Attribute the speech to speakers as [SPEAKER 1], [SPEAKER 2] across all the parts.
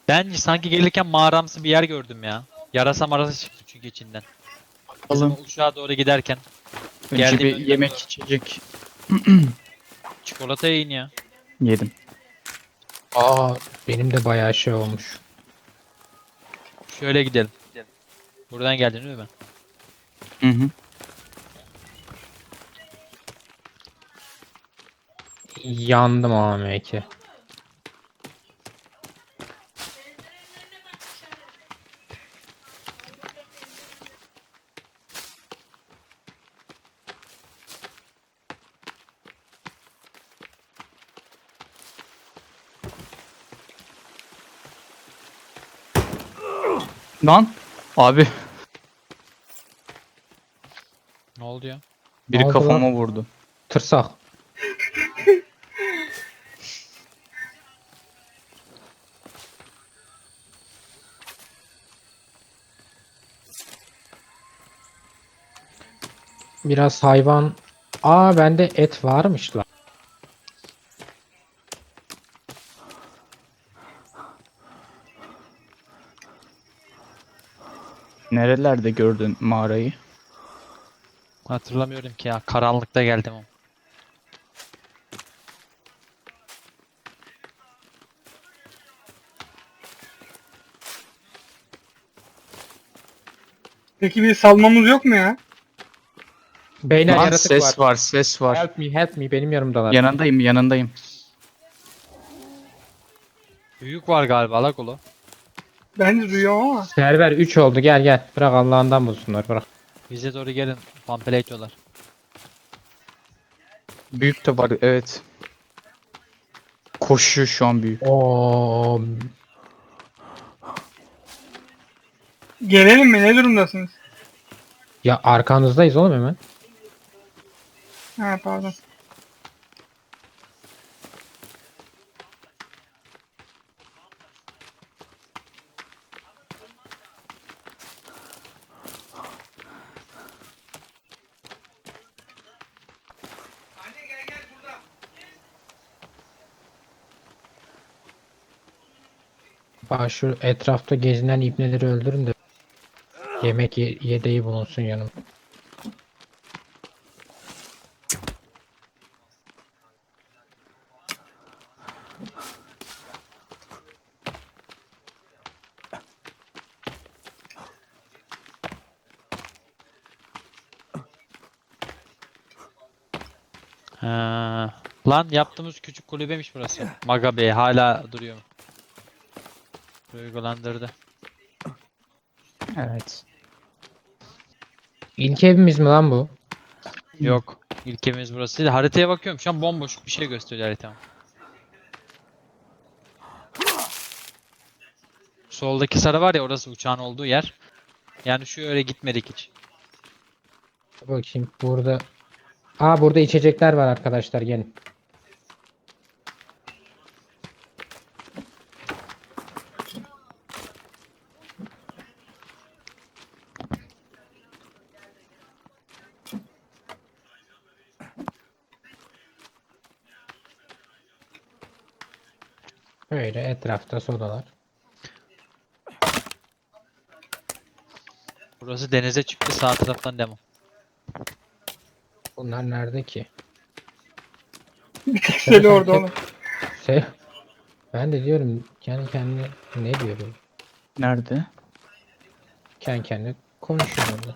[SPEAKER 1] Ben sanki gelirken mağaramsı bir yer gördüm ya. Yarasa marasa çıktı çünkü içinden. Bizim o
[SPEAKER 2] Alın.
[SPEAKER 1] uçağa doğru giderken.
[SPEAKER 2] Önce
[SPEAKER 1] Geldiğim
[SPEAKER 2] bir
[SPEAKER 1] önüme
[SPEAKER 2] yemek
[SPEAKER 1] doğru.
[SPEAKER 2] içecek
[SPEAKER 1] Çikolata yiyin ya.
[SPEAKER 2] yedim.
[SPEAKER 3] Aa, benim de bayağı şey olmuş.
[SPEAKER 1] Şöyle gidelim. Buradan geldin değil mi?
[SPEAKER 2] Hı hı.
[SPEAKER 3] Yandım AMK.
[SPEAKER 2] Lan abi
[SPEAKER 1] Ne oldu ya?
[SPEAKER 3] Ne
[SPEAKER 2] biri
[SPEAKER 3] oldu lan?
[SPEAKER 2] kafama vurdu.
[SPEAKER 3] Tırsak. Biraz hayvan. Aa, bende et varmış lan.
[SPEAKER 2] Nerelerde gördün mağarayı?
[SPEAKER 1] Hatırlamıyorum ki ya. Karanlıkta geldim ama.
[SPEAKER 4] Peki bir salmamız yok mu ya?
[SPEAKER 3] Beyler,
[SPEAKER 2] Lan
[SPEAKER 3] yaratık var.
[SPEAKER 2] ses var, ses var.
[SPEAKER 3] Help me, benim yanımdalar.
[SPEAKER 2] Yanındayım, yanındayım.
[SPEAKER 1] Büyük var galiba la kolu.
[SPEAKER 4] Ben de duyuyorum ama.
[SPEAKER 3] Server 3 oldu, gel gel. Bırak Allah'ından bulsunlar, bırak.
[SPEAKER 1] Bize doğru gelin. Pampele itiyorlar.
[SPEAKER 2] Büyük de var, evet. Koşuyor şu an büyük.
[SPEAKER 3] Oo,
[SPEAKER 4] Gelelim mi? Ne durumdasınız?
[SPEAKER 3] ya arkanızdayız oğlum hemen.
[SPEAKER 4] Ha pardon.
[SPEAKER 3] Bak, şu etrafta gezinen ibneleri öldürün de yemek yedeği bulunsun yanım.
[SPEAKER 1] Ha. Lan yaptığımız küçük kulübemiş burası. Maga Bey hala duruyor. Duygulandırdı.
[SPEAKER 2] Evet.
[SPEAKER 3] İlk evimiz mi lan bu?
[SPEAKER 1] Yok. İlk evimiz burası değil. Haritaya bakıyorum. Şu an bomboş bir şey gösteriyor haritam. Soldaki sarı var ya, orası uçağın olduğu yer. Yani şu öyle gitmedik hiç.
[SPEAKER 3] Bakayım burada. Aa, burada içecekler var arkadaşlar, gelin. Böyle etrafta sodalar.
[SPEAKER 1] Burası denize çıktı, sağ taraftan demo.
[SPEAKER 3] Bunlar nerede ki?
[SPEAKER 4] Bir tek seli orada
[SPEAKER 3] Sen-
[SPEAKER 4] oğlum.
[SPEAKER 3] Şey, ben de diyorum kendi kendine ne diyorum?
[SPEAKER 2] Nerede?
[SPEAKER 3] Kendi kendine konuşuyor orada.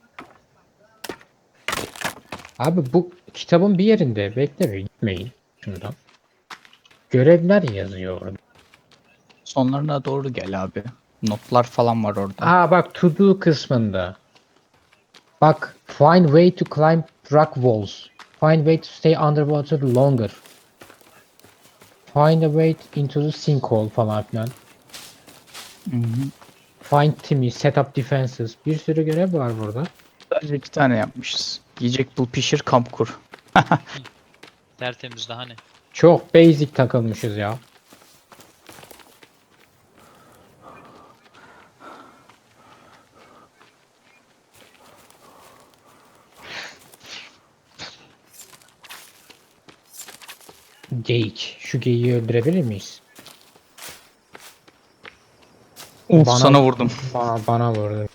[SPEAKER 3] Abi bu kitabın bir yerinde bekle, gitmeyin şundan. Görevler yazıyor orada.
[SPEAKER 2] Sonlarına doğru gel abi. Notlar falan var orada.
[SPEAKER 3] Aa bak, to do kısmında. Bak, find way to climb rock walls. Find way to stay underwater longer. Find a way into the sinkhole falan filan.
[SPEAKER 2] Hı hı.
[SPEAKER 3] Find Timmy, set up defenses. Bir sürü görev var burada.
[SPEAKER 2] Sadece 2 tane yapmışız. Yiyecek bul, pişir, kamp kur.
[SPEAKER 1] Tertemiz daha ne?
[SPEAKER 3] Çok basic takılmışız ya. Geyik. Şu geyiği öldürebilir miyiz?
[SPEAKER 2] Of
[SPEAKER 3] Bana-
[SPEAKER 2] sana vurdum.
[SPEAKER 3] Bana vurdu.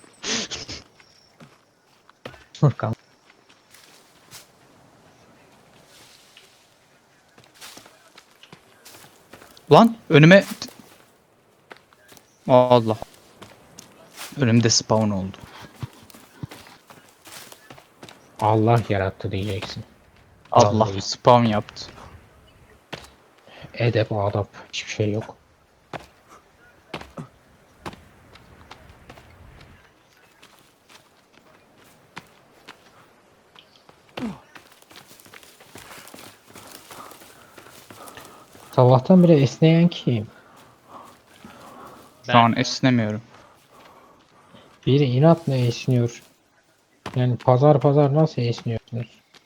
[SPEAKER 3] Furkan.
[SPEAKER 2] Lan önüme... Allah. Önümde spawn oldu.
[SPEAKER 3] Allah yarattı diyeceksin.
[SPEAKER 2] Allah
[SPEAKER 3] Vallahi.
[SPEAKER 2] spawn yaptı.
[SPEAKER 3] Edep, adap, hiçbir şey yok. Sabahtan beri esneyen kim?
[SPEAKER 2] Şu an esnemiyorum.
[SPEAKER 3] Biri inatla esniyor. Yani pazar nasıl esniyorsunuz?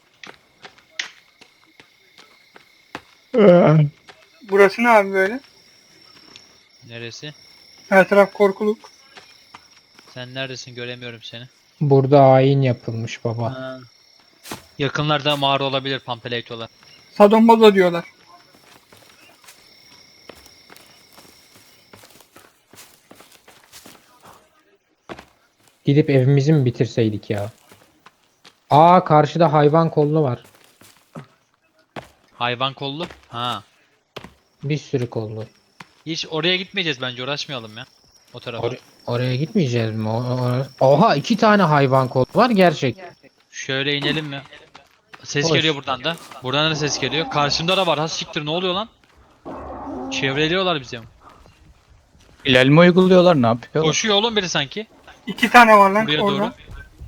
[SPEAKER 4] Burası ne abi böyle?
[SPEAKER 1] Neresi?
[SPEAKER 4] Her taraf korkuluk.
[SPEAKER 1] Sen neredesin? Göremiyorum seni.
[SPEAKER 3] Burada ayin yapılmış baba.
[SPEAKER 1] Ha. Yakınlarda mağara olabilir Pampeleytolar.
[SPEAKER 4] Sadombazo diyorlar.
[SPEAKER 3] Gidip evimizi mi bitirseydik ya? Aa, karşıda hayvan kollu var.
[SPEAKER 1] Hayvan kollu. Ha.
[SPEAKER 3] Bir sürü kollu.
[SPEAKER 1] Hiç oraya gitmeyeceğiz bence. Uğraşmayalım ya. O tarafa.
[SPEAKER 3] Oraya gitmeyeceğiz mi? Oha, 2 tane hayvan kolu var gerçek.
[SPEAKER 1] Şöyle inelim mi? Ses
[SPEAKER 3] Hoş.
[SPEAKER 1] geliyor buradan da. Buradan da ses geliyor. Karşımda da var. Ha siktir, ne oluyor lan? Çevreliyorlar bizi.
[SPEAKER 2] İlerleme uyguluyorlar, ne yapıyorlar?
[SPEAKER 1] Koşuyor oğlum biri sanki.
[SPEAKER 4] 2 tane var lan
[SPEAKER 1] Buraya
[SPEAKER 4] orada.
[SPEAKER 1] doğru.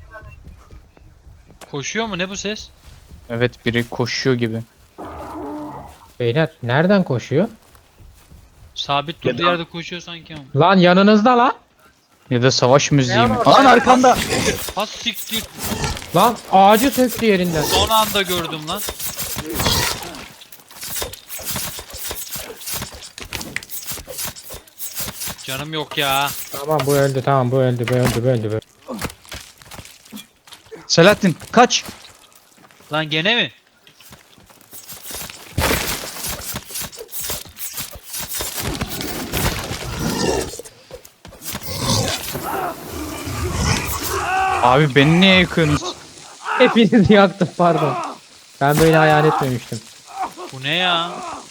[SPEAKER 1] Koşuyor mu? Ne bu ses?
[SPEAKER 2] Evet, biri koşuyor gibi.
[SPEAKER 3] Beyler nereden koşuyor?
[SPEAKER 1] Sabit durduğu yerde koşuyor sanki ama.
[SPEAKER 3] Lan yanınızda lan.
[SPEAKER 2] Ya da savaş müziği mi?
[SPEAKER 3] orada
[SPEAKER 2] Lan arkanda!
[SPEAKER 1] Ha siktir.
[SPEAKER 3] Lan ağacı söktü yerinden.
[SPEAKER 1] Son anda gördüm lan. Canım yok ya.
[SPEAKER 3] Tamam, bu öldü, tamam, bu öldü, bu öldü, bu öldü.
[SPEAKER 2] Selahattin kaç!
[SPEAKER 1] Lan gene mi?
[SPEAKER 2] Abi beni niye yakıyorsunuz?
[SPEAKER 3] Hepinizi yaktım, pardon. Ben böyle hayal etmemiştim.
[SPEAKER 1] Bu ne ya?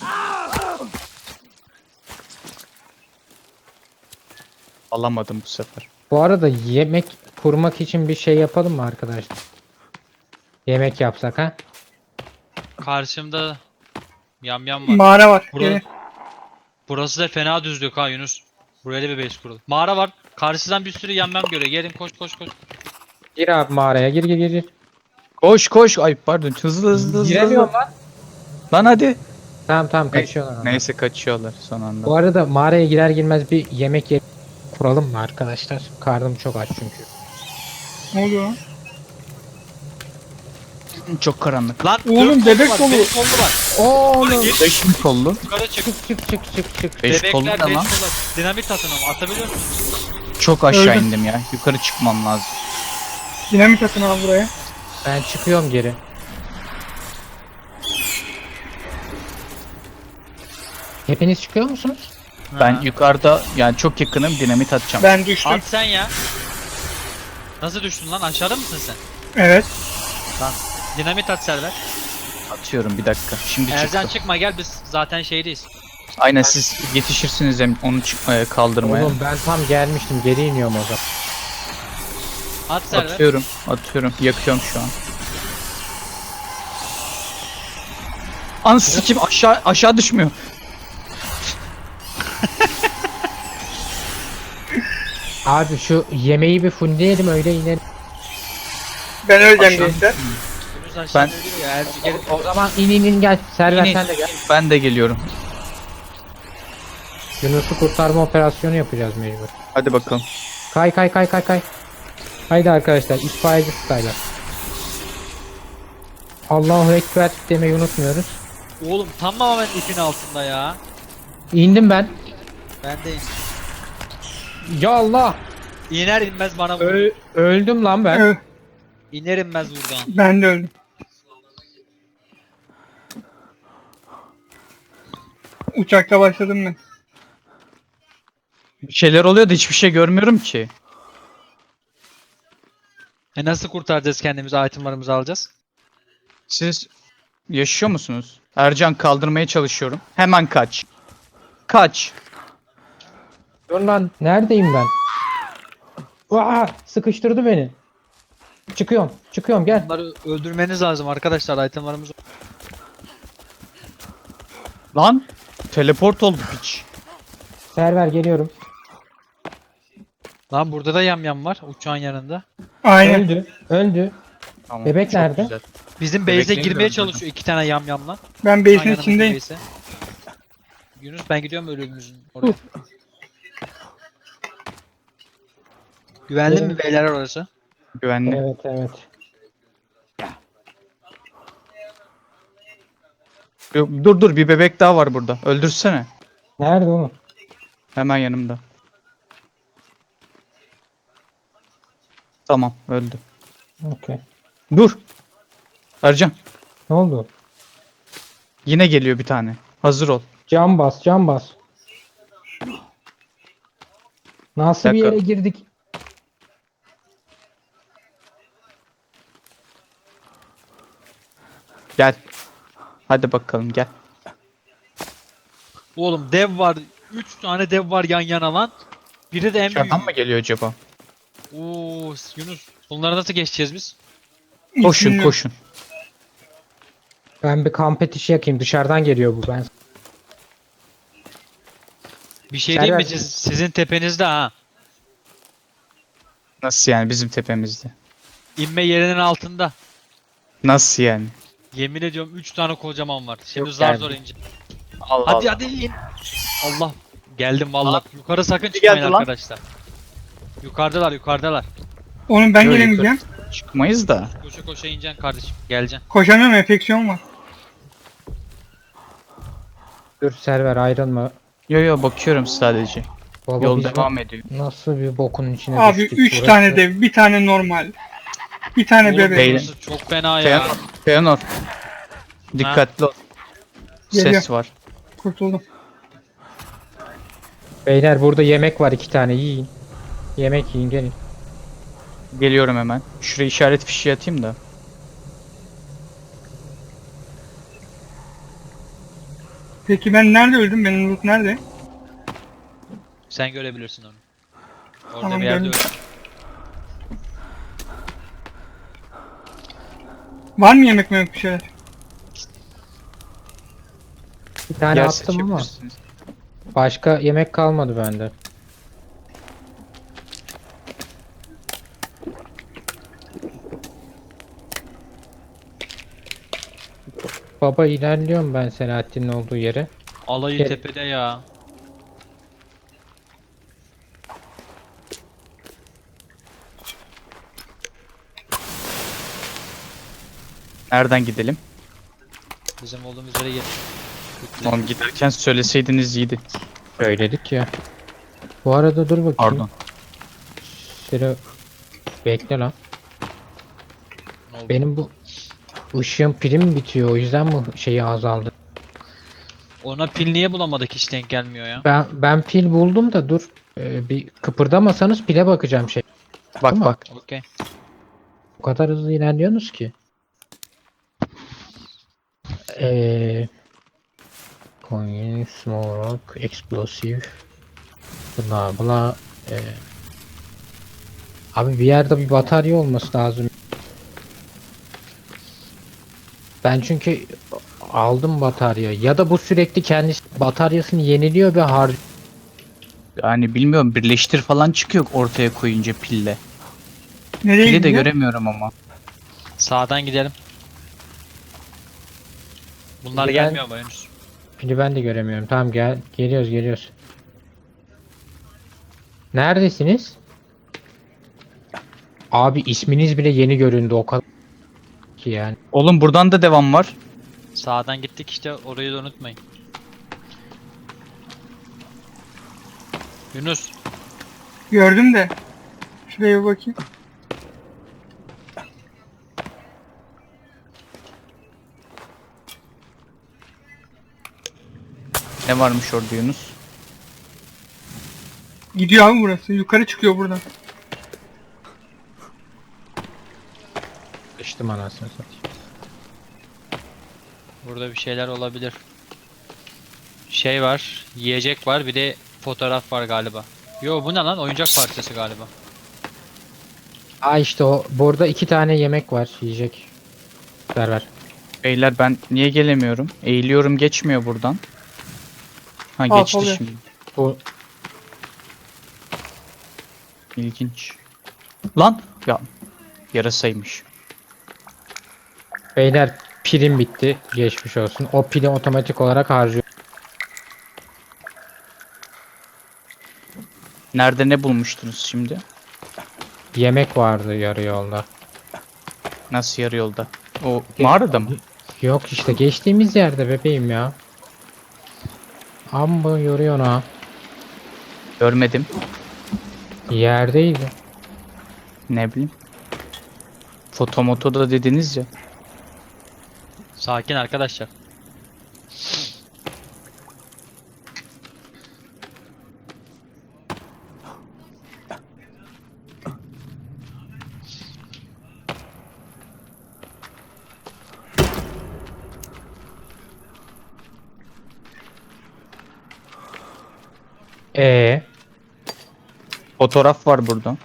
[SPEAKER 2] Alamadım bu sefer.
[SPEAKER 3] Bu arada yemek kurmak için bir şey yapalım mı arkadaşlar? Yemek yapsak ha?
[SPEAKER 1] Karşımda yamyam var.
[SPEAKER 4] Mağara var.
[SPEAKER 1] Burada-
[SPEAKER 4] Gelin.
[SPEAKER 1] Burası da fena düzlük ha Yunus. Buraya da bir base kuralım. Mağara var. Karşıdan bir sürü yamyam görüyor. Gelin koş koş koş.
[SPEAKER 3] Gir abi mağaraya, gir gir gir, gir.
[SPEAKER 2] Koş koş! Ay pardon, hızlı hızlı hızlı.
[SPEAKER 3] Giremiyorum lan.
[SPEAKER 2] Lan hadi!
[SPEAKER 3] Tamam kaçıyorlar. ama.
[SPEAKER 2] Neyse kaçıyorlar son anda.
[SPEAKER 3] Bu arada mağaraya girer girmez bir yemek kuralım mı arkadaşlar? Karnım çok aç çünkü.
[SPEAKER 4] Ne oluyor lan?
[SPEAKER 2] Çok karanlık.
[SPEAKER 1] Lan
[SPEAKER 4] Oğlum,
[SPEAKER 1] dört
[SPEAKER 4] bebek
[SPEAKER 1] kollu var.
[SPEAKER 4] dolu.
[SPEAKER 1] Beş kollu var.
[SPEAKER 3] Oğlum.
[SPEAKER 2] 5 mi kollu?
[SPEAKER 1] Yukarı çık.
[SPEAKER 3] Çık.
[SPEAKER 2] 5 kollu
[SPEAKER 1] Bebekler
[SPEAKER 2] ne
[SPEAKER 1] 5
[SPEAKER 2] lan?
[SPEAKER 1] kollu. Dinamit atın ama atabiliyor musun?
[SPEAKER 2] Çok aşağı
[SPEAKER 4] Öldüm.
[SPEAKER 2] indim ya. Yukarı çıkmam lazım.
[SPEAKER 4] Dinamit atın abi buraya.
[SPEAKER 3] Ben çıkıyorum geri. Hepiniz çıkıyor musunuz?
[SPEAKER 2] Ben
[SPEAKER 1] Ha.
[SPEAKER 2] yukarıda yani çok yakınım, dinamit atacağım.
[SPEAKER 4] Ben düştüm.
[SPEAKER 1] At sen ya. Nasıl düştün lan? Aşağıda mısın sen?
[SPEAKER 4] Evet.
[SPEAKER 1] Lan dinamit at Server.
[SPEAKER 2] Atıyorum bir dakika. Şimdi
[SPEAKER 1] Ercan
[SPEAKER 2] çıktı.
[SPEAKER 1] çıkma gel, biz zaten şeydeyiz.
[SPEAKER 2] Aynen, siz yetişirsiniz hem onu kaldırmaya.
[SPEAKER 3] Oğlum ben tam gelmiştim, geri iniyorum o zaman.
[SPEAKER 1] At Server.
[SPEAKER 2] Atıyorum. Yakıyorum şu an. Anasını sikeyim, aşağı düşmüyor.
[SPEAKER 3] Abi şu yemeği bir fullleyelim, öyle inelim.
[SPEAKER 4] Ben öleceğim
[SPEAKER 2] Aşağı-
[SPEAKER 4] gençler.
[SPEAKER 1] Yunus aşağıda
[SPEAKER 2] Ben-
[SPEAKER 1] ölüyor ya. Erci gel.
[SPEAKER 3] O zaman in gel. Server
[SPEAKER 2] İnin.
[SPEAKER 3] sen de gel.
[SPEAKER 2] Ben de geliyorum.
[SPEAKER 3] Yunus'u kurtarma operasyonu yapacağız mecbur.
[SPEAKER 2] Hadi bakalım.
[SPEAKER 3] Kay. Haydi arkadaşlar, itfaiyeci style'lar. Allahu Ekber demeyi unutmuyoruz.
[SPEAKER 1] Oğlum tamamen ipin altında ya.
[SPEAKER 3] İndim ben.
[SPEAKER 1] Ben de
[SPEAKER 3] Ya Allah.
[SPEAKER 1] iner inmez bana vur.
[SPEAKER 3] Öldüm lan ben.
[SPEAKER 4] Evet,
[SPEAKER 1] İner inmez buradan.
[SPEAKER 4] ben de öldüm. Uçakta başladım ben.
[SPEAKER 2] Bir şeyler oluyor da hiçbir şey görmüyorum ki.
[SPEAKER 1] Nasıl kurtaracağız kendimizi, itemlarımızı alacağız?
[SPEAKER 2] Siz yaşıyor musunuz? Ercan kaldırmaya çalışıyorum. Hemen kaç. Kaç.
[SPEAKER 3] Dur lan neredeyim ben? Aa, sıkıştırdı beni. Çıkıyorum. Çıkıyorum gel.
[SPEAKER 1] Bunları öldürmeniz lazım arkadaşlar, itemlarımız.
[SPEAKER 2] Lan. Teleport oldu piç.
[SPEAKER 3] Server geliyorum.
[SPEAKER 1] Lan burada da yamyam var uçağın yanında.
[SPEAKER 4] Aynen.
[SPEAKER 3] Öldü. Öldü.
[SPEAKER 2] Tamam,
[SPEAKER 3] Bebek
[SPEAKER 2] çok
[SPEAKER 3] nerede?
[SPEAKER 2] güzel.
[SPEAKER 1] Bizim
[SPEAKER 2] Bebekleri
[SPEAKER 1] base'e
[SPEAKER 2] de
[SPEAKER 1] girmeye
[SPEAKER 2] öldürdüm.
[SPEAKER 1] çalışıyor iki tane yamyamla.
[SPEAKER 4] Ben
[SPEAKER 1] Uçağın
[SPEAKER 4] base'in
[SPEAKER 1] yanındaki
[SPEAKER 4] içindeyim.
[SPEAKER 1] base'e. Yunus ben gidiyorum ölümümüzün oraya. Güvenli mi beyler orası?
[SPEAKER 2] Güvenli.
[SPEAKER 3] Evet evet.
[SPEAKER 2] Dur bir bebek daha var burada. Öldürsene.
[SPEAKER 3] Nerede oğlum?
[SPEAKER 2] Hemen yanımda. Tamam öldü.
[SPEAKER 3] Okey.
[SPEAKER 2] Dur. Ercan.
[SPEAKER 3] Ne oldu?
[SPEAKER 2] Yine geliyor bir tane. Hazır ol.
[SPEAKER 3] Cam bas, cam bas. Nasıl bir
[SPEAKER 2] Dakika.
[SPEAKER 3] yere girdik?
[SPEAKER 2] Gel. Hadi bakalım gel.
[SPEAKER 1] Oğlum dev var. 3 tane dev var yan yana lan. Biri de en büyüğü.
[SPEAKER 2] Dışarıdan mı geliyor acaba?
[SPEAKER 1] Oo Yunus. Bunları nasıl geçeceğiz biz?
[SPEAKER 2] Koşun
[SPEAKER 4] İçinde-
[SPEAKER 2] koşun.
[SPEAKER 3] Ben bir kamp ateşi yakayım. Dışarıdan geliyor bu. Ben
[SPEAKER 1] Bir şey diyeyim mi?
[SPEAKER 3] Server-
[SPEAKER 1] Sizin tepenizde ha.
[SPEAKER 2] Nasıl yani bizim tepemizde?
[SPEAKER 1] İnme yerinin altında.
[SPEAKER 2] Nasıl yani?
[SPEAKER 1] Yemin ediyorum 3 tane kocaman var. Şimdi
[SPEAKER 2] Yok
[SPEAKER 1] zar
[SPEAKER 2] yani.
[SPEAKER 1] zor ineceğim.
[SPEAKER 2] Allah
[SPEAKER 1] Hadi
[SPEAKER 2] Allah.
[SPEAKER 1] hadi in. Allah. Geldim vallahi.
[SPEAKER 2] Lan.
[SPEAKER 1] Yukarı sakın
[SPEAKER 2] Biri
[SPEAKER 1] çıkmayın
[SPEAKER 2] geldi lan.
[SPEAKER 1] arkadaşlar. Yukarıdalar yukarıdalar.
[SPEAKER 4] Oğlum ben
[SPEAKER 2] Yok,
[SPEAKER 4] gelemeyeceğim.
[SPEAKER 2] Çıkmayız da.
[SPEAKER 1] Koşa koşa ineceksin kardeşim. Geleceksin.
[SPEAKER 4] Koşamıyorum, enfeksiyon var.
[SPEAKER 3] dur server ayrılma.
[SPEAKER 2] Yo bakıyorum sadece.
[SPEAKER 3] Baba
[SPEAKER 2] Yol
[SPEAKER 3] biz
[SPEAKER 2] devam ediyor.
[SPEAKER 3] nasıl bir bokun içine
[SPEAKER 4] Abi
[SPEAKER 3] düştük
[SPEAKER 4] 3
[SPEAKER 3] burası?
[SPEAKER 4] tane dev, bir tane normal. Bir tane
[SPEAKER 1] Oğlum
[SPEAKER 4] bebek.
[SPEAKER 2] beyler.
[SPEAKER 1] burası çok fena ya.
[SPEAKER 2] Feanor. Feanor. Dikkatli ol.
[SPEAKER 4] Geliyor.
[SPEAKER 2] Ses var.
[SPEAKER 4] Kurtuldum.
[SPEAKER 3] Beyler burada yemek var 2 tane yiyin. Yemek yiyin gelin.
[SPEAKER 2] Geliyorum hemen. Şuraya işaret fişi atayım da.
[SPEAKER 4] Peki ben nerede öldüm? Benim loot nerede?
[SPEAKER 1] Sen görebilirsin onu. Orada
[SPEAKER 4] Tamam,
[SPEAKER 1] bir yerde
[SPEAKER 4] gördüm.
[SPEAKER 1] öyle.
[SPEAKER 4] Var mı yemek mi bir şeyler?
[SPEAKER 3] Bir tane
[SPEAKER 2] Yer
[SPEAKER 3] attım ama
[SPEAKER 2] seçebilirsiniz.
[SPEAKER 3] başka yemek kalmadı bende. Baba ilerliyorum ben Selahattin'in olduğu yere.
[SPEAKER 1] Alayı
[SPEAKER 3] Gel.
[SPEAKER 1] tepede ya.
[SPEAKER 2] Nereden gidelim?
[SPEAKER 1] Bizim olduğumuz yere gel.
[SPEAKER 2] Oğlum giderken söyleseydiniz iyiydi.
[SPEAKER 3] Söyledik ya. Bu arada dur bakayım.
[SPEAKER 2] Pardon.
[SPEAKER 3] Sıra bekle lan.
[SPEAKER 1] Ne oldu?
[SPEAKER 3] Benim bu ışığın pilim bitiyor. O yüzden mi şeyi azaldı?
[SPEAKER 1] Ona pil niye bulamadık, hiç denk gelmiyor ya.
[SPEAKER 3] Ben pil buldum da dur. Bir kıpırdamasanız pile bakacağım şey.
[SPEAKER 2] Bak
[SPEAKER 3] Değil mi?
[SPEAKER 2] bak.
[SPEAKER 1] Okey.
[SPEAKER 3] O kadar hızlı ilerliyorsunuz ki. Coin, small rock, explosive, bla bla. Abi bir yerde bir batarya olması lazım. Ben çünkü aldım batarya. Ya da bu sürekli kendisi bataryasını yeniliyor ve harcıyor.
[SPEAKER 2] Yani bilmiyorum birleştir falan çıkıyor ortaya koyunca pille.
[SPEAKER 4] Nereye
[SPEAKER 2] Pili de
[SPEAKER 4] gidiyor?
[SPEAKER 2] göremiyorum ama.
[SPEAKER 1] Sağdan gidelim. Bunlar
[SPEAKER 3] Ben-
[SPEAKER 1] gelmiyor mu Yunus?
[SPEAKER 3] Pili ben de göremiyorum. Tamam geliyoruz. Neredesiniz? Abi isminiz bile yeni göründü o kadar ki yani.
[SPEAKER 2] Oğlum buradan da devam var.
[SPEAKER 1] Sağdan gittik işte, orayı da unutmayın. Yunus,
[SPEAKER 4] Gördüm de. Şuraya bir bakayım.
[SPEAKER 2] Ne varmış orada Yunus?
[SPEAKER 4] Gidiyor abi burası. Yukarı çıkıyor buradan.
[SPEAKER 3] Geçtim anasını satayım.
[SPEAKER 1] Burada bir şeyler olabilir. Şey var, yiyecek var, bir de fotoğraf var galiba. Yo bu ne lan? Oyuncak parçası galiba.
[SPEAKER 3] Aa işte o. Burada 2 tane yemek var. Yiyecek. Ver.
[SPEAKER 2] Beyler ben niye gelemiyorum? Eğiliyorum geçmiyor buradan. Ha
[SPEAKER 4] Al,
[SPEAKER 2] geçti
[SPEAKER 4] oluyor.
[SPEAKER 2] şimdi.
[SPEAKER 3] Bu
[SPEAKER 2] İlginç. Lan ya yarasaymış.
[SPEAKER 3] beyler pilim bitti. Geçmiş olsun. O pili otomatik olarak harcıyor.
[SPEAKER 2] Nerede ne bulmuştunuz şimdi?
[SPEAKER 3] Yemek vardı yarı yolda.
[SPEAKER 2] Nasıl yarı yolda? O mağarada mı?
[SPEAKER 3] Yok işte geçtiğimiz yerde bebeğim ya. Amma yoruyor ha.
[SPEAKER 2] Görmedim.
[SPEAKER 3] Yerdeydi.
[SPEAKER 2] Ne bileyim. Fotomotoda dediniz ya.
[SPEAKER 1] Sakin arkadaşlar.
[SPEAKER 2] Fotoğraf var burada.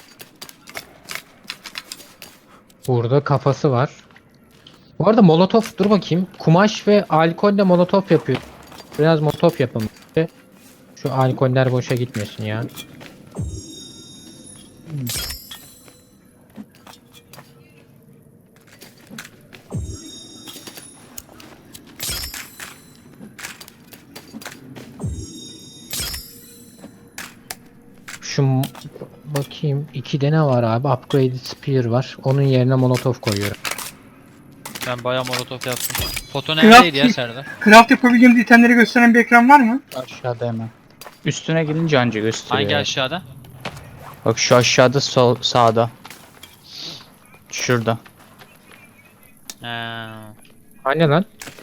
[SPEAKER 3] Burada kafası var. Bu arada molotof dur bakayım. Kumaş ve alkolle molotof yapıyor. Biraz molotof yapalım. Şu alkoller boşa gitmesin ya. Şu bakayım 2'de ne var abi? Upgraded Spear var. Onun yerine molotof koyuyorum.
[SPEAKER 1] Ben bayağı molotof yaptım. Foto
[SPEAKER 4] Craft-
[SPEAKER 1] neredeydi ya Serdar?
[SPEAKER 4] Craft yapabildiğimiz itemleri gösteren bir ekran var mı?
[SPEAKER 2] Aşağıda hemen. Üstüne gelince anca gösteriyor.
[SPEAKER 1] Hangi
[SPEAKER 2] ya.
[SPEAKER 1] aşağıda?
[SPEAKER 2] Bak şu aşağıda sol sağda. Şurada.
[SPEAKER 1] Ha.
[SPEAKER 3] Anne lan.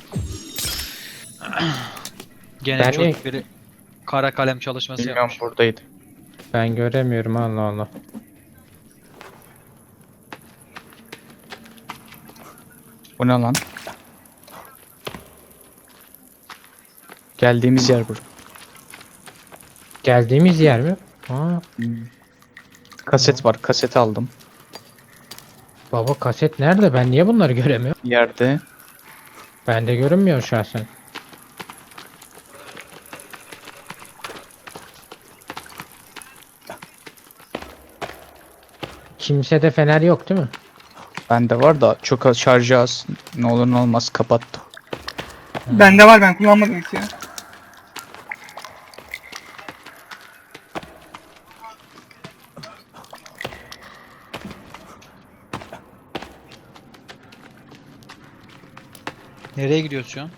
[SPEAKER 1] Gene
[SPEAKER 3] Ben
[SPEAKER 1] çok
[SPEAKER 3] de-
[SPEAKER 1] biri kara kalem çalışması
[SPEAKER 2] Bilmiyorum
[SPEAKER 1] yapmış.
[SPEAKER 2] buradaydı.
[SPEAKER 3] Ben göremiyorum Allah Allah.
[SPEAKER 2] Bu ne lan? Geldiğimiz yer burada.
[SPEAKER 3] Geldiğimiz yer mi? Aa,
[SPEAKER 2] Kaset var. Kaseti aldım.
[SPEAKER 3] baba kaset nerede? Ben niye bunları göremiyorum?
[SPEAKER 2] Yerde.
[SPEAKER 3] Bende görünmüyor şahsen. Kimsede fener yok değil mi?
[SPEAKER 2] Bende var da çok az şarjı az. Ne olur ne olmaz kapattı.
[SPEAKER 4] Bende var, ben kullanmadım hiç ya.
[SPEAKER 1] Nereye gidiyorsun şu an?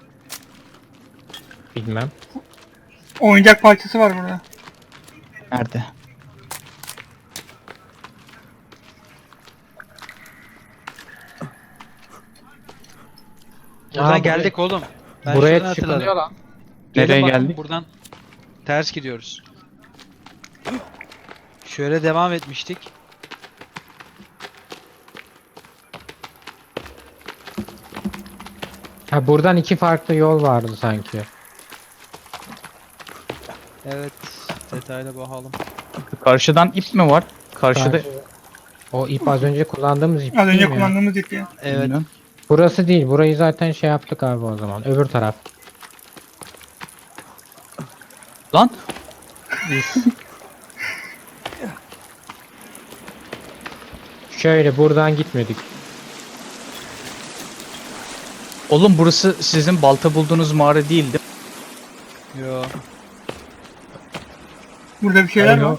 [SPEAKER 3] Bilmem.
[SPEAKER 4] Oyuncak parçası var burada.
[SPEAKER 2] Nerede?
[SPEAKER 1] Buradan
[SPEAKER 3] Aa,
[SPEAKER 1] geldik oğlum. Ben
[SPEAKER 3] Buraya
[SPEAKER 1] şuradan hatırladım.
[SPEAKER 3] çıkılıyor lan.
[SPEAKER 1] Gelin
[SPEAKER 2] Nereye
[SPEAKER 1] bakın,
[SPEAKER 2] geldik?
[SPEAKER 1] Buradan ters gidiyoruz. Şöyle devam etmiştik.
[SPEAKER 3] Ha buradan 2 farklı yol vardı sanki.
[SPEAKER 1] Evet. Detayla bakalım.
[SPEAKER 2] Karşıdan ip mi var? Karşıda
[SPEAKER 3] Karşı- O ip az önce kullandığımız ip
[SPEAKER 4] Az önce
[SPEAKER 3] değil mi ya?
[SPEAKER 4] kullandığımız ip ya.
[SPEAKER 1] Evet.
[SPEAKER 2] Bilmiyorum.
[SPEAKER 3] Burası değil. Burayı zaten şey yaptık abi o zaman. Öbür taraf.
[SPEAKER 2] Lan
[SPEAKER 3] Şöyle buradan gitmedik.
[SPEAKER 2] oğlum burası sizin balta bulduğunuz mağara değildi.
[SPEAKER 1] Yo.
[SPEAKER 4] Burada bir şeyler
[SPEAKER 3] Alo.
[SPEAKER 4] var.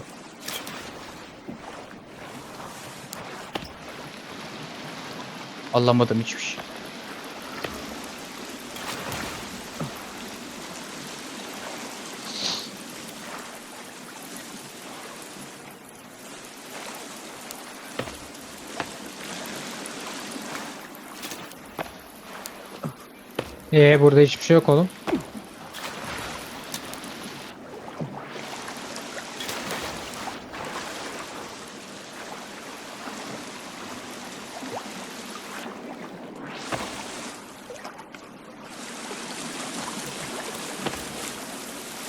[SPEAKER 2] Anlamadım hiçbir şey.
[SPEAKER 3] Burada hiçbir şey yok oğlum.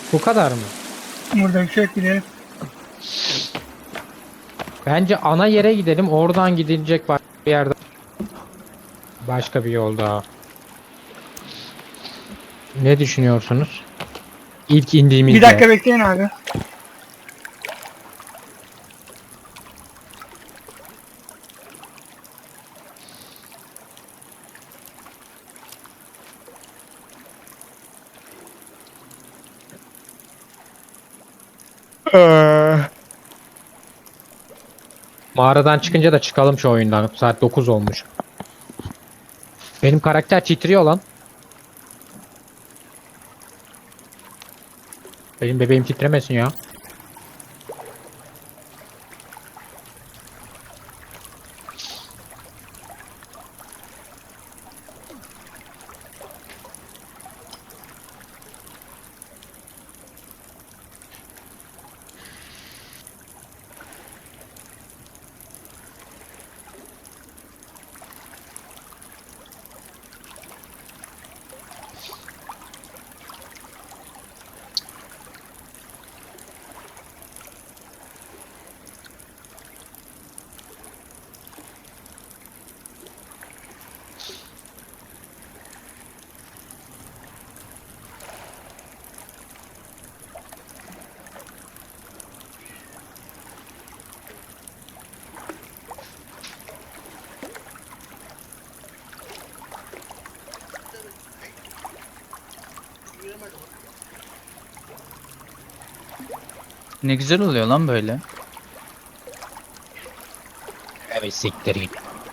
[SPEAKER 3] Bu kadar mı?
[SPEAKER 4] Burada bir şey yok, gidelim.
[SPEAKER 3] Bence ana yere gidelim. Oradan gidilecek başka bir yerde. Başka bir yol daha. Ne düşünüyorsunuz? İlk indiğimizde.
[SPEAKER 4] Bir dakika bekleyin abi.
[SPEAKER 3] Mağaradan çıkınca da çıkalım şu oyundan. Saat 9 olmuş. Benim karakter titriyor lan. Benim bebeğim titremesin ya.
[SPEAKER 2] Ne güzel oluyor lan böyle.
[SPEAKER 3] Evet siktir git.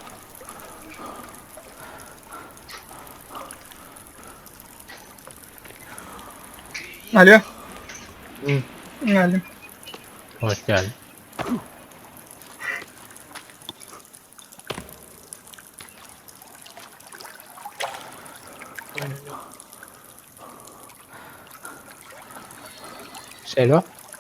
[SPEAKER 4] Alo.
[SPEAKER 3] Hı.
[SPEAKER 4] Geldim.
[SPEAKER 3] Hoş geldin. Selo.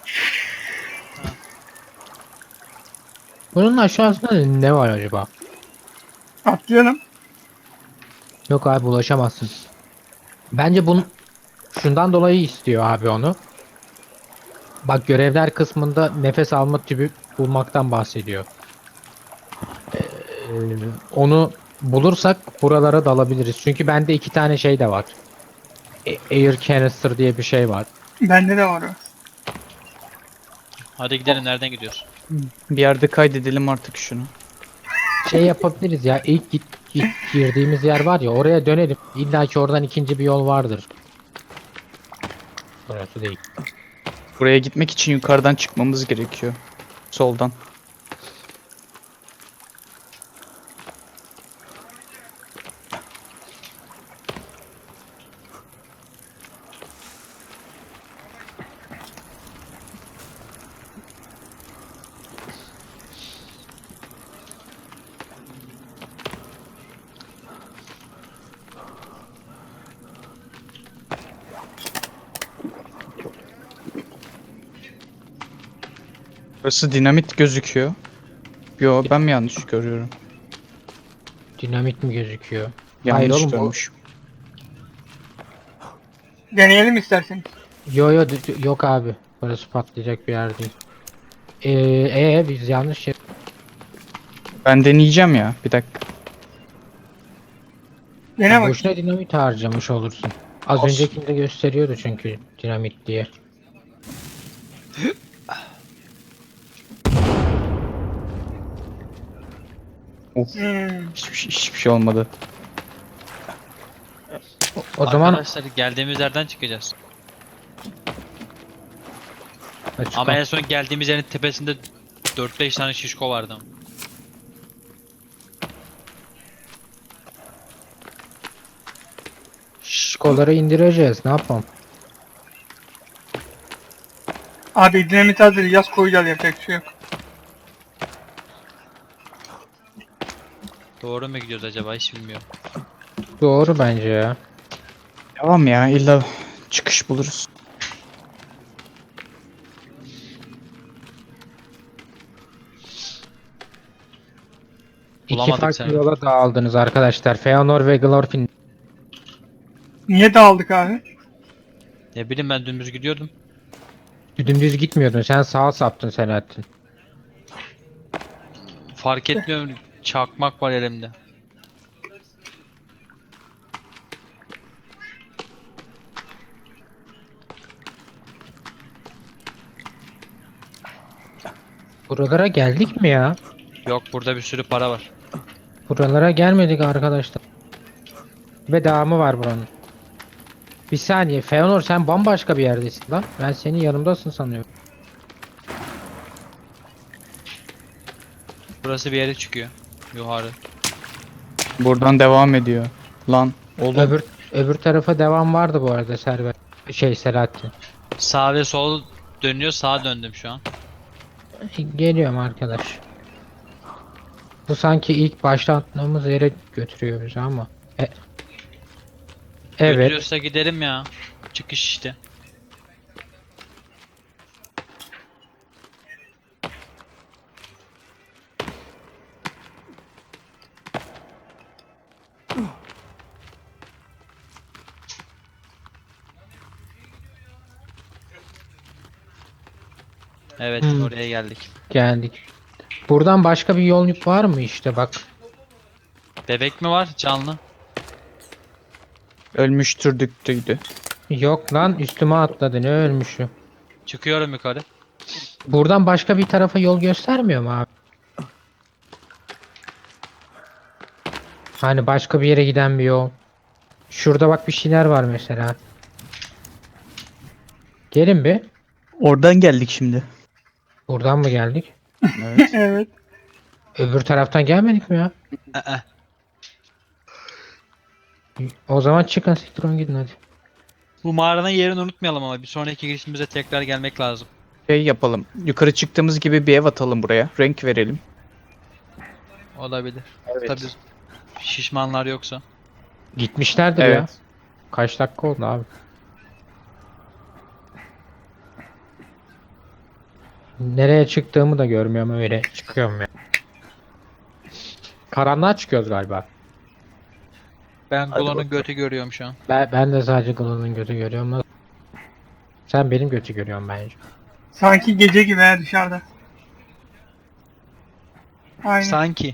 [SPEAKER 3] Bunun aşağısında ne var acaba?
[SPEAKER 4] Atlayalım.
[SPEAKER 3] Yok abi ulaşamazsın. Bence bunun şundan dolayı istiyor abi onu. Bak görevler kısmında nefes alma tübü bulmaktan bahsediyor. Ee, onu bulursak buralara dalabiliriz. Çünkü bende 2 tane şey de var. Air canister diye bir şey var.
[SPEAKER 4] Bende de var o.
[SPEAKER 1] Hadi gidelim, nereden gidiyoruz?
[SPEAKER 2] Bir yerde kaydedelim artık şunu.
[SPEAKER 3] Şey yapabiliriz ya ilk girdiğimiz yer var ya oraya dönelim. İlla ki oradan ikinci bir yol vardır. Burası değil.
[SPEAKER 2] Buraya gitmek için yukarıdan çıkmamız gerekiyor. Soldan. Burası dinamit gözüküyor. Yo, ben mi yanlış görüyorum?
[SPEAKER 3] Dinamit mi gözüküyor?
[SPEAKER 2] Yanlış
[SPEAKER 3] Hayır oğlum o...
[SPEAKER 2] görmüş.
[SPEAKER 4] Deneyelim isterseniz.
[SPEAKER 3] Yok abi. Burası patlayacak bir yer değil. Biz yanlış şey...
[SPEAKER 2] Ben deneyeceğim ya. Bir dakika.
[SPEAKER 4] Dene bak.
[SPEAKER 3] Boşuna dinamit harcamış olursun. Az
[SPEAKER 2] Olsun.
[SPEAKER 3] öncekinde gösteriyordu çünkü dinamit diye.
[SPEAKER 2] Of.
[SPEAKER 4] Hmm.
[SPEAKER 2] Hiçbir şey olmadı.
[SPEAKER 3] O zaman
[SPEAKER 1] Arkadaşlar geldiğimiz yerden çıkacağız.
[SPEAKER 3] açık
[SPEAKER 1] Ama
[SPEAKER 3] ol.
[SPEAKER 1] en son geldiğimiz yerin tepesinde 4-5 tane şişko vardı.
[SPEAKER 3] Şkoları indireceğiz. Ne yapalım?
[SPEAKER 4] Abi dinamit hazır. Yaz koyacağız, yapacak bir şey yok.
[SPEAKER 1] Doğru mu gidiyoruz acaba, hiç bilmiyorum.
[SPEAKER 3] Doğru bence ya.
[SPEAKER 2] Devam ya. İlla çıkış buluruz.
[SPEAKER 3] İki
[SPEAKER 1] Bulamadık
[SPEAKER 3] farklı
[SPEAKER 1] seni.
[SPEAKER 3] yola dağıldınız arkadaşlar. Feanor ve Glorfin.
[SPEAKER 4] Niye dağıldık abi?
[SPEAKER 1] Ne bileyim, ben dümdüz gidiyordum.
[SPEAKER 3] Dümdüz gitmiyordun. Sen sağa saptın Selahattin.
[SPEAKER 1] Fark etmiyorum. Çakmak var elimde.
[SPEAKER 3] Buralara geldik mi ya?
[SPEAKER 1] Yok, burada bir sürü para var.
[SPEAKER 3] Buralara gelmedik arkadaşlar. Ve devamı var buranın. Bir saniye Feanor, sen bambaşka bir yerdesin lan. Ben senin yanımdasın sanıyorum.
[SPEAKER 1] Burası bir yere çıkıyor. Yukarı.
[SPEAKER 2] Buradan devam ediyor. Lan oğlum.
[SPEAKER 3] Öbür tarafa devam vardı bu arada Servet. Selahattin.
[SPEAKER 1] Sağ ve sol dönüyor. Sağa döndüm şu an.
[SPEAKER 3] Geliyorum arkadaş. Bu sanki ilk başlattığımız yere götürüyor bizi ama. Evet.
[SPEAKER 1] Götürüyorsa gidelim ya. Çıkış işte. Evet, oraya geldik.
[SPEAKER 3] Geldik. Buradan başka bir yol var mı işte bak.
[SPEAKER 1] Bebek mi var? Canlı.
[SPEAKER 2] Ölmüştür düktüydü.
[SPEAKER 3] Yok lan, üstüme atladı, ne ölmüşü.
[SPEAKER 1] Çıkıyorum yukarı.
[SPEAKER 3] Buradan başka bir tarafa yol göstermiyor mu abi? Hani başka bir yere giden bir yol. Şurada bak bir şeyler var mesela. Gelin bir.
[SPEAKER 2] Oradan geldik şimdi.
[SPEAKER 3] Buradan mı geldik?
[SPEAKER 2] Evet.
[SPEAKER 4] Evet.
[SPEAKER 3] Öbür taraftan gelmedik mi ya?
[SPEAKER 1] Aa,
[SPEAKER 3] O zaman çıkın, siktirin gidin hadi.
[SPEAKER 1] bu mağaranın yerini unutmayalım ama bir sonraki girişimize tekrar gelmek lazım.
[SPEAKER 2] Şey yapalım. Yukarı çıktığımız gibi bir ev atalım buraya. Renk verelim.
[SPEAKER 1] Olabilir.
[SPEAKER 2] Evet.
[SPEAKER 1] Tabii şişmanlar yoksa.
[SPEAKER 3] Gitmişlerdir ya.
[SPEAKER 2] Evet.
[SPEAKER 3] Kaç dakika oldu abi? Nereye çıktığımı da görmüyorum, öyle çıkıyorum ya. Karanlığa çıkıyoruz galiba.
[SPEAKER 1] Ben
[SPEAKER 2] Hadi
[SPEAKER 1] Glow'un
[SPEAKER 2] bakalım.
[SPEAKER 1] götü görüyorum şu an.
[SPEAKER 3] Ben de sadece Glow'un götü görüyorum. Sen benim götü görüyorsun bence.
[SPEAKER 4] Sanki gece gibi ha dışarıda. Aynen.
[SPEAKER 1] Sanki.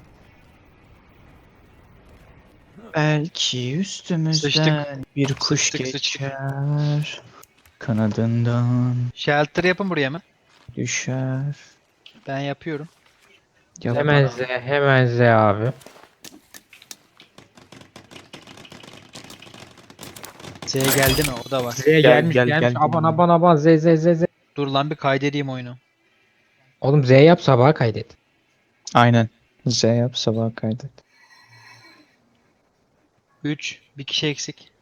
[SPEAKER 2] Belki üstümüzden
[SPEAKER 1] Sıçtık.
[SPEAKER 2] bir kuş
[SPEAKER 1] Sıçtık, sıçtık.
[SPEAKER 2] geçer. Kanadından
[SPEAKER 1] Shelter yapın buraya mı?
[SPEAKER 2] düşer.
[SPEAKER 1] Ben yapıyorum.
[SPEAKER 2] Yap.
[SPEAKER 3] Hemen Z abi.
[SPEAKER 1] Z geldi mi? O da var.
[SPEAKER 3] Z gelmiş
[SPEAKER 2] gel,
[SPEAKER 3] gelmiş.
[SPEAKER 2] gel.
[SPEAKER 3] Aban Z.
[SPEAKER 1] Dur lan, bir kaydedeyim oyunu.
[SPEAKER 3] Oğlum Z yap, sabaha kaydet.
[SPEAKER 2] Aynen. Z yap sabah kaydet.
[SPEAKER 1] 3. Bir kişi eksik.